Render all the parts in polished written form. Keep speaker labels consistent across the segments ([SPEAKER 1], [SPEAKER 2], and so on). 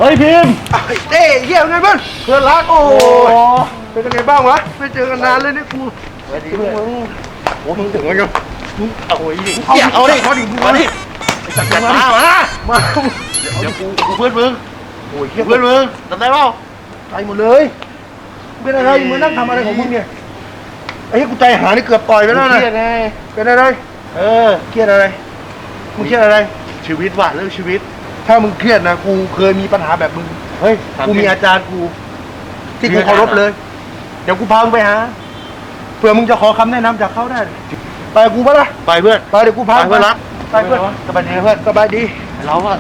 [SPEAKER 1] ฮ้ยพิมพ์
[SPEAKER 2] เต้เยี่ยมไงบ้างเพื่อนรักโอ้เป็นยังไงบ้างวะไม่เจอกันนานเลยเนี่ยกูถึงมึงโอ้มึงถึงแล้วกันเอาดิเอาดิมาดิจัดการมาเดี๋ยวกูเพื่อนมึงโอ้ยเพื่อนมึงจำได้เปล่าใจหมดเลยเป็นอะไรมึงนั่งทำอะไรของมึงเนี่ยไอ้กูใจหานี่เกือบต่อยไปแล้วนะเป็นอะไรเครียดอะไรมึงเครียดอะไรชีวิตว่ะเรื่องชีวิตถ้ามึงเครียดนะกูเคยมีปัญหาแบบมึงเฮ้ยกูมีอาจารย์กูที่กูเคารพเลยเดี๋ยวกูพามึงไปหาเผื่อมึงจะขอคำแนะนำจากเขาได้ไปกูปะล่ะไปเพื่อนไปเดี๋ยวกูพาเพื่อนรักไปเพื่อนสบายดีเพื่อนสบายดีเราอะ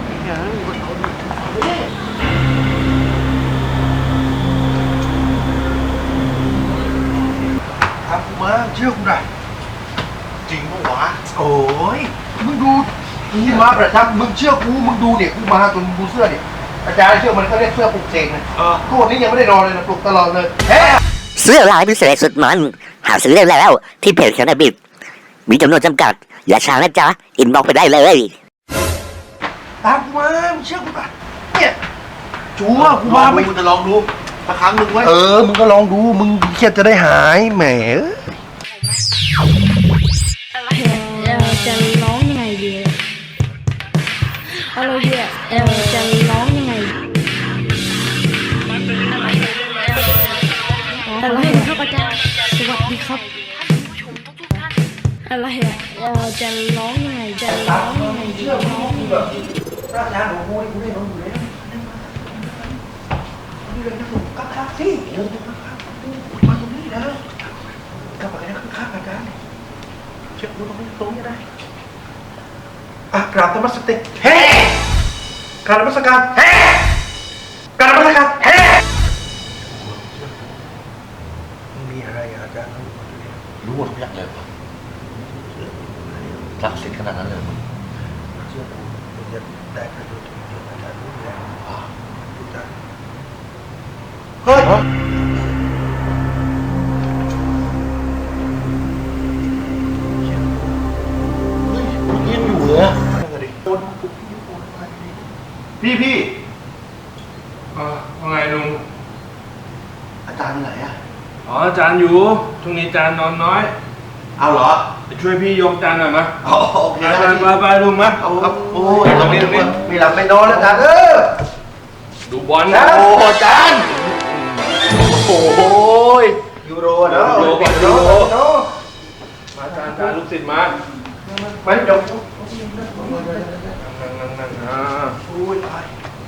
[SPEAKER 2] ทำกูมาเชื่อกูหน่อยจริงปะวะโอ้ยมึงดูกูมาประจำมึงเชื่อกูมึงดูเนี่ยกูมาจนดูเสื้อเนี่ยอาจารย์เชื่อมันเขาเรียกเสื้อปลุกเสกนะทุกวันนี้ยังไม่ได้นอนเลยนะปลุกตลอดเลย
[SPEAKER 3] เสื้อลายพิเศษสุดมันหาซื้อได้แล้วที่เพจแคนาบิดมีจำนวนจำกัดอย่าช้านะจ๊ะอินบ็อกไปได้เลย
[SPEAKER 2] ตามกูมามึงเชื่อกูป่ะเนี่ยจูว่ากูมาไม่กูจะลองดูสักครั้งมึงไว้มึงก็ลองดูมึงเครียดจะได้หายแหม
[SPEAKER 4] จะร้องยังไงดีอะไรเนี่ยจะร้องยังไงอะไรครับอาจารย์สวัสดีครับอะไรจะร้องยังไงจะร้องยังไง
[SPEAKER 2] เชื่อกูแบบอาจารย์ของกูนี่กูได้น้องอยู่แล้วนี่เลยนะผมกักสิมาตรงนี้นะกลับไปนะข้างอาจารย์เชื่อกูตรงนี้ได้กราบธรรมสติเฮ้กราบธรรมสการเฮ้กราบธรรมสการเฮ้มีอะไรอาจารย์
[SPEAKER 1] รู้หมดทุกอย่างเลยรักสิทธิ์ขนาดนั้นเลย
[SPEAKER 2] เชื่อกูมึงจะได้ประโยชน์อาจารย์รู้แล้วทุกท่านเฮ้ย
[SPEAKER 1] ยังอยู่เลยพี่
[SPEAKER 5] ว่าไงลุง
[SPEAKER 2] อาจารย์ไหนอ่ะ
[SPEAKER 5] อาจารย์อยู่ช่วงนี้อาจารย์นอนน้อย
[SPEAKER 2] เอาเหรอ
[SPEAKER 5] ไปช่วยพี่ยกจานหน่อยมั้ย
[SPEAKER 2] โอเค
[SPEAKER 5] ไปลุงมั้ย
[SPEAKER 2] โอ้ยตรงนี้มีหลับไม่นอนแล้วอาจารย์
[SPEAKER 5] ดูบอล
[SPEAKER 2] นะโอ้อาจารย์โอ้ยยูโรเนาะยูโรเนาะ
[SPEAKER 5] อาจารย์ลูกศิษย์มา
[SPEAKER 2] ไปเดี๋ยว
[SPEAKER 5] นั่ง
[SPEAKER 2] อุ้ยตาย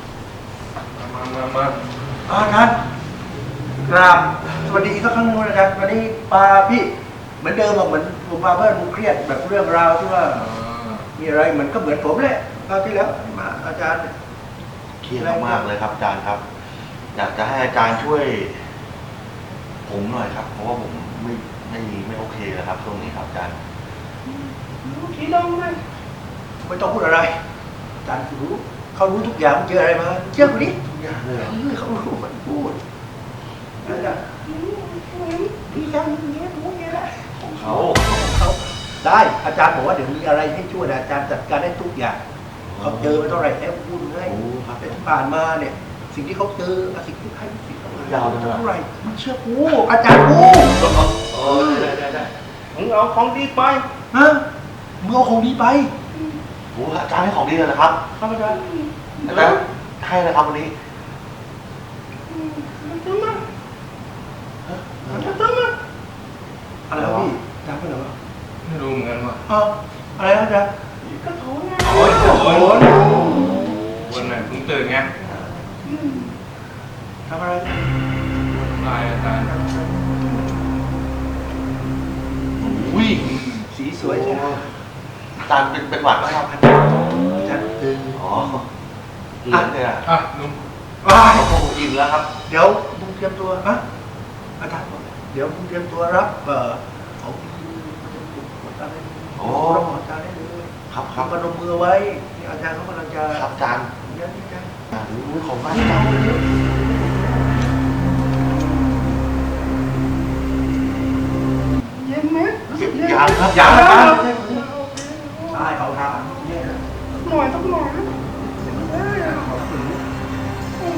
[SPEAKER 5] มา
[SPEAKER 2] อาจารย์กราบสวัสดีอีกสักครั้งนึงอาจารย์วันนี้ปาพี่เหมือนเดิมเหมือนผมมาเพื่อนผมเครียดแบบเรื่องราวที่ว่ามีอะไรเหมือนก็เหมือนผมแหละคราวที่แล้วมาอาจารย์
[SPEAKER 1] เครียดมากเลยครับอาจารย์ครับอยากจะให้อาจารย์ช่วยผมหน่อยครับเพราะว่าผมไม่โอเคแล้วครับช่วงนี้ครับอาจารย์
[SPEAKER 2] รู้ทีน้องไหมไม่ต้องพูดอะไรอาจารย์รู้เขารู้ทุกอย่างเจออะไรมาเชื่อคนนี้ทุกอย่างเลยเขารู้มันพูดอาจารย์พี่ยังเงี้ยรู้เงี้ยแหละ
[SPEAKER 1] ของเขา
[SPEAKER 2] ได้อาจารย์บอกว่าเดี๋ยวมีอะไรให้ช่วยอาจารย์จัดการได้ทุกอย่างเขาเจอมาเท่าไหร่แล้วพูดให้แต่ที่ผ่านมาเนี่ยสิ่งที่เขาเจอสิ่งที่ให้สิ่ง
[SPEAKER 1] ยาว
[SPEAKER 2] เท่าไหร่มันเชื่อกูอาจารย์กู
[SPEAKER 1] ได้
[SPEAKER 2] มึงเอาของดีไปฮะมึงเอาของดีไป
[SPEAKER 1] โอ้อาจารย์ให้ของดีเลยนะครับ
[SPEAKER 2] ครับอาจารย์
[SPEAKER 1] ให้เลยครับวันนี้
[SPEAKER 2] อะไรพี่จำไม่ได้หรอ
[SPEAKER 5] ไม่รู้เหมือนกันว่ะ
[SPEAKER 2] อะไรนะจ๊ะกระโถน
[SPEAKER 5] วันไหนเพิ่งตื่นไง
[SPEAKER 2] ทำอะไร
[SPEAKER 5] ลายอาจารย์
[SPEAKER 1] อุ้ย
[SPEAKER 2] สีสวยใช่ไหม
[SPEAKER 1] อาจารย์เป็นหวัดไหมครับ
[SPEAKER 2] อาจารย์
[SPEAKER 1] อ๋อเหลืองเลย
[SPEAKER 5] ลุง
[SPEAKER 1] โอ้โหอิ่มแล้วครับ
[SPEAKER 2] เดี๋ยวมึงเตรียมตัวอาจารย์เดี๋ยวมึงเตรียมตัวรับของรับอาจารย์ได้เลย
[SPEAKER 1] ครับ
[SPEAKER 2] พนมมือไว้อาจารย์เขากำลังจะ
[SPEAKER 1] ครับอาจารย์
[SPEAKER 2] ยันอาจารย์
[SPEAKER 1] ของบ้านอาจารย์
[SPEAKER 2] เย็นไหม
[SPEAKER 1] ยังครับ
[SPEAKER 2] ยังอาจารย์ใช่เอาทาง
[SPEAKER 4] หน่อยต้องหน่อย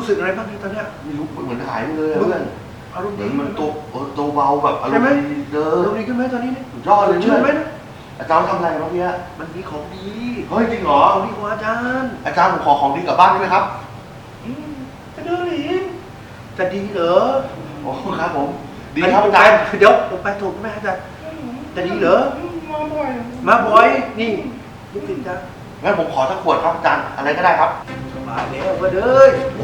[SPEAKER 2] รู้สึกอะไรบ้างที่ตอนเนี้ย
[SPEAKER 1] ไม่รู้เหมือนหายไปเลยอะเพื่อน
[SPEAKER 2] อารมณ์
[SPEAKER 1] เหมื
[SPEAKER 2] ดี
[SPEAKER 1] อนมันตัวเบาแบบอารม
[SPEAKER 2] ใช่ไหม
[SPEAKER 1] ณ์ดีเด้
[SPEAKER 2] อารม
[SPEAKER 1] อ
[SPEAKER 2] ณ์ดีขึ้นไหมตอนนี้เนี่ย
[SPEAKER 1] สุดยอดเลย
[SPEAKER 2] ชื่
[SPEAKER 1] เพื่
[SPEAKER 2] น
[SPEAKER 1] อน
[SPEAKER 2] ไหมนะ
[SPEAKER 1] อาจารย์ทำอะไรเมื่อกี้
[SPEAKER 2] มันมีของดี
[SPEAKER 1] เฮ้ยจริงเหรอ
[SPEAKER 2] ของดีของอาจารย์
[SPEAKER 1] อาจารย์ผมขอของดีกลับบ้านได้ไหมครับ
[SPEAKER 2] จะเดินหนีจะดีเหรอ
[SPEAKER 1] โอ้ครับผมดีครับอาจารย์
[SPEAKER 2] เดี๋ยวผมไปถูกไหมอาจารย์จะดีเหรอ
[SPEAKER 5] มาบ่อย
[SPEAKER 2] มาบ่อยนี่ลูกศิษย์จ้ะ
[SPEAKER 1] งั้นผมขอสักขวดครับอาจารย์อะไรก็ได้ครับ
[SPEAKER 2] สบายแล้วก็เด้ย
[SPEAKER 1] โอ้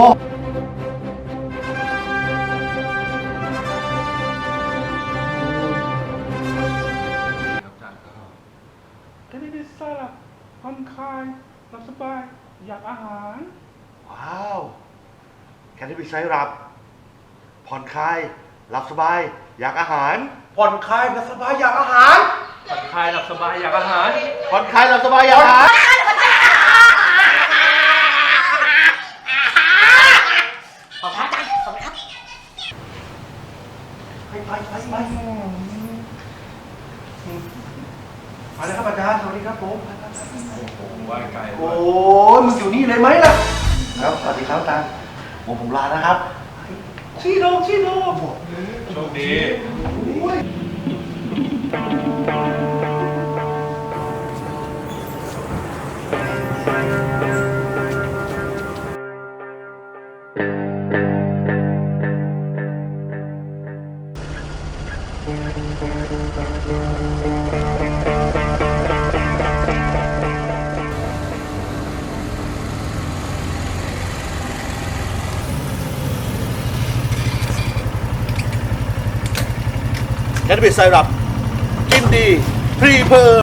[SPEAKER 5] ครับอาจารย์ก็ได้สลับผ่อนคลายหลับสบายอยากอาหาร
[SPEAKER 1] ว้าวแคนดี้บิไซรับผ่อนคลายหลับสบายอยากอาหาร
[SPEAKER 2] ผ่อนคลายกับสบายอยากอาหาร
[SPEAKER 5] ผ่อนคลายหลับสบายอยากอาหาร
[SPEAKER 1] ผ่อนคลายหลับสบายอยากอาหาร
[SPEAKER 2] ไปมาเลยครับอาจารย์สวัสดีครับผม
[SPEAKER 5] ผมไหว้ไกล
[SPEAKER 2] โอ้ยมึงอยู่นี่เลยไหมล่ะ
[SPEAKER 1] ครับสวัสดีครับอาจารย์ผมลานะครับ
[SPEAKER 2] ชี้โลบอก
[SPEAKER 5] โชคดี
[SPEAKER 1] แคนดี้บิไซรับกินดีพรีเพอร์